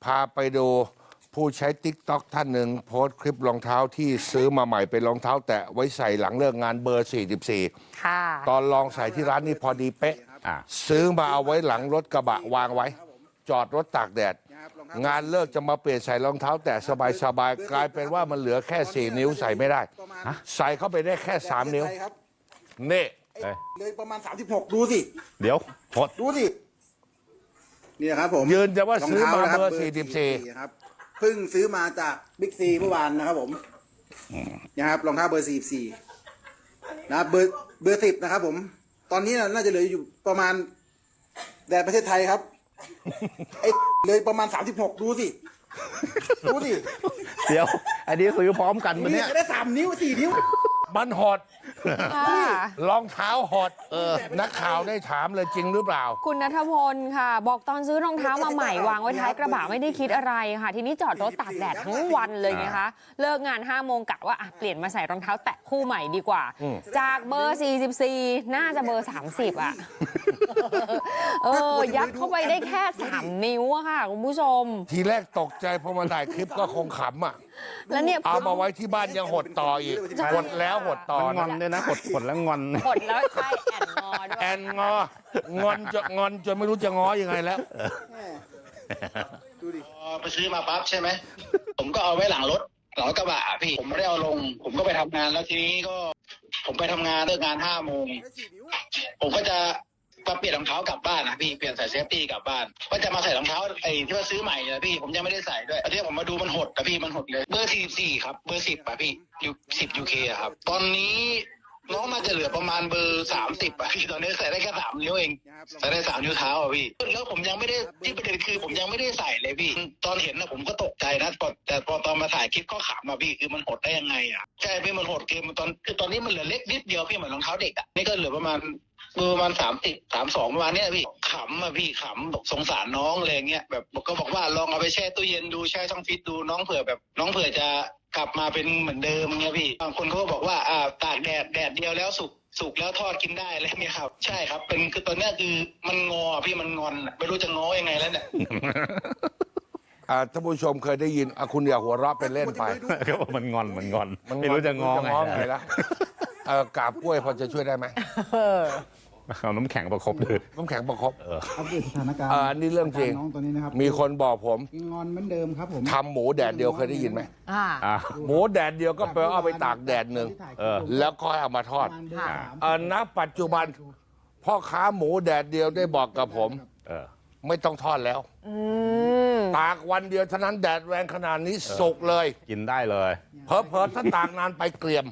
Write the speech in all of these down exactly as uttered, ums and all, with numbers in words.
พาไปดูผู้ใช้ ติ๊กต็อก ท่านหนึ่งโพสต์คลิปรองเท้าที่ซื้อมาใหม่เป็นรองเท้าแตะไว้ใส่หลังเลิกงานเบอร์ สี่สิบสี่ค่ะตอนลองใส่ที่ร้านนี่พอดีเป๊ะอ่ะซื้อมาเอาไว้หลังรถกระบะวางไว้ จอดรถตากแดด งานเลิกจะมาเปลี่ยนใส่รองเท้าแตะสบายๆกลายเป็นว่ามันเหลือแค่สี่นิ้วใส่ไม่ได้ ใส่เข้าไปได้แค่สามนิ้วนี่เอ้ยเลยประมาณสามสิบหกดูสิเดี๋ยวหดดูสินี่นะครับผมยืนจะว่าซื้อมาองท้เบอร์นะคสี่สิบสี่ครับเพิ่งซื้อมาจากบิ๊กซีเมื่อวานนะครับผมนะครับรองเท้าเบอร์สี่สี่นะครับเบอร์เบอร์สิบนะครับ ผม ตอนนี้น่าจะเหลืออยู่ประมาณแดดประเทศไทยครับไอ้เลยประมาณสามสิบหกดูสิดูสิเดี๋ยว อันนี้ซื้อพร้อมกันมันนี่เนี่ยจะได้สามนิ้วสี่นิ้วมันหดค่ะรองเท้าหดนักข่าวได้ถามเลยจริงหรือเปล่าคุณณัฐพลค่ะ บอกตอนซื้อรองเท้ามาใหม่วางไว้ท้ายกระบะไม่ได้คิดอะไรค่ะ ทีนี้จอดรถตากแดดทั้งวันเลยไงคะ เลิกงานห้าโมงกะว่าอ่ะเปลี่ยนมาใส่รองเท้าแตะคู่ใหม่ดีกว่า จากเบอร์ สี่สิบสี่ น่าจะเบอร์ สามสิบ อ่ะ เออ ยัดเข้าไปได้แค่ สาม นิ้วอะค่ะ คุณผู้ชมทีแรกตกใจพอมาถ่ายคลิปก็คงขำอ่ะแล้วเนี่ยเอามาไว้ที่บ้านยังหดต่ออีกหดแล้วหดต่อมันงอนด้วยนะหดหดแล้วงอนกดแล้วใช่แอนงอด้วยแอนงองอนจะงอนจนไม่รู้จะง้อยังไงแล้วดูดิพอไปซื้อมาปั๊บใช่ไหม ผมก็เอาไว้หลังรถหลังรถกระบะอะพี่ ผมไม่ได้เอาลง ผมก็ไปทำงานแล้วทีนี้ก็ ผมไปทำงานเลิกงานห้าโมง ผมก็จะมาเปลี่ยนรองเท้ากลับบ้านนะพี่ เปลี่ยนใส่เซฟตี้กลับบ้าน ก็จะมาใส่รองเท้าไอ้ที่ว่าซื้อใหม่นะพี่ ผมยังไม่ได้ใส่ด้วยตอนนี้ผมมาดูมันหดนะพี่ มันหดเลย เบอร์สี่สี่ครับ เบอร์สิบอะพี่ยูสิบยูเคอะครับ ตอนนี้น้องน่าจะเหลือประมาณเบอร์สามสิบอะพี่ ตอนนี้ใส่ได้แค่สามนิ้วเอง ใส่ได้สามนิ้วเท้าอ่ะพี่ แล้วผมยังไม่ได้ที่ประเด็นคือผมยังไม่ได้ใส่เลยพี่ ตอนเห็นนะผมก็ตกใจนะแต่แต่พอตอนมาถ่ายคลิปก็ขำอ่ะพี่คือมันหดได้ยังไงอ่ะใช่พี่มันหดคือมันตอนคือตอนนี้มันเหลือเล็กนิดเดียวพี่เหมือนรองเท้าเด็กอ่ะนี่ก็เหลือประมาณเบอร์ประมาณสามสิบสามสองประมาณเนี้ยพี่ขำอ่ะพี่ขำบอกสงสารน้องอะไรเงี้ยแบบก็บอกว่าลองเอาไปแช่ตู้เย็นดูแช่ช่องฟิตดูน้องเผื่อแบบน้องเผื่อจะกลับมาเป็นเหมือนเดิมเงี้ยพี่บางคนเขาก็บอกว่าอ่าตากแดดแดดเดียวแล้วสุก สุกแล้วทอดกินได้อะไรเงี้ยครับใช่ครับเป็นคือตอนเนี้ยคือมันงอพี่มันงอนอะไม่รู้จะง้อยังไงแล้วเนี่ยอ่าท่านผู้ชมเคยได้ยินอ่ะคุณอย่าหัวเราะเป็นเล่นไปก็บอกมันงอนมันงอนมันไม่รู้จะงอไงไงแล้วเออกาบกล้วยพอจะช่วยได้ไหมเอาน้ำแข็งประคบเลยน้ำแข็งประคบอัปเดตสถานการณ์อ่าอันนี้เรื่องจริงาน้องตัวนี้นะครับมีคนบอกผมกินงอนเหมือนเดิมครับผมทำหมูแดดเดียวเคยได้ยินไหมอ่าอ่ะหมูแดดเดียวก็แปลว่าเอาไปตากแดดหนึ่งเออแล้วก็เอามาทอดประมาณเบอร์สามเออณปัจจุบันพ่อค้าหมูแดดเดียวได้บอกกับผมเออไม่ต้องทอดแล้วอืมตากวันเดียวเท่านั้นแดดแรงขนาดนี้สุกเลยกินได้เลยเพอเพอๆถ้าตากนานไปเกรียม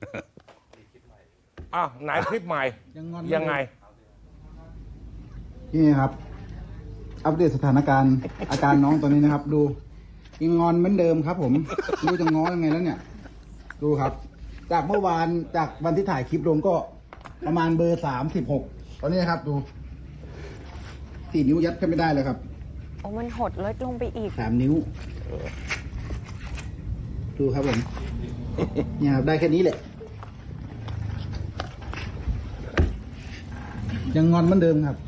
อ้าวไหนคลิปใหม่ยังงอนยังไงนี่ครับ อัปเดตสถานการณ์อาการน้องตัวนี้นะครับ ดูยังงอนเหมือนเดิมครับ ผมไม่รู้จะง้อยังไงแล้วเนี่ย ดูครับ จากเมื่อวานจากวันที่ถ่ายคลิปลงก็ประมาณเบอร์สามสิบหกตอนนี้นะครับ ดูสี่นิ้วยัดขึ้นไม่ได้เลยครับโอ้มันหดลดลงไปอีกสามนิ้วดูครับผมเนี่ยครับได้แค่นี้แหละ ยังงอนเหมือนเดิมครับ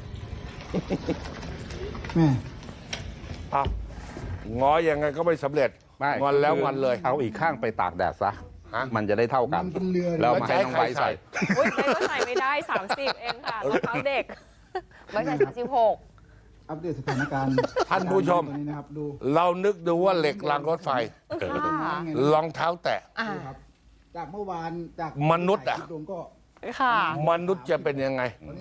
แม่อ้าวง้อยังไงก็ไม่สำเร็จไม่งอนแล้วงอนเลยเอาอีกข้างไปตากแดดซะฮะมันจะได้เท่ากันมันเป็นเรือแล้วมาให้น้องไบร์ทใส่อุ้ยเบก็ใส่ไม่ได้ สามสิบ เองค่ะรองเท้าเด็กไม่ใช่สามสิบหกอัปเดตสถานการณ์ท่านผู้ชมตัวนี้นะครับ ดูเรานึกดูว่าเหล็กรางรถไฟค่ะรองเท้าแตะอ่าดูครับ จากเมื่อวานจากมนุษย์อะถ่ายคลิปลงก็ค่ะมนุษย์จะเป็นยังไง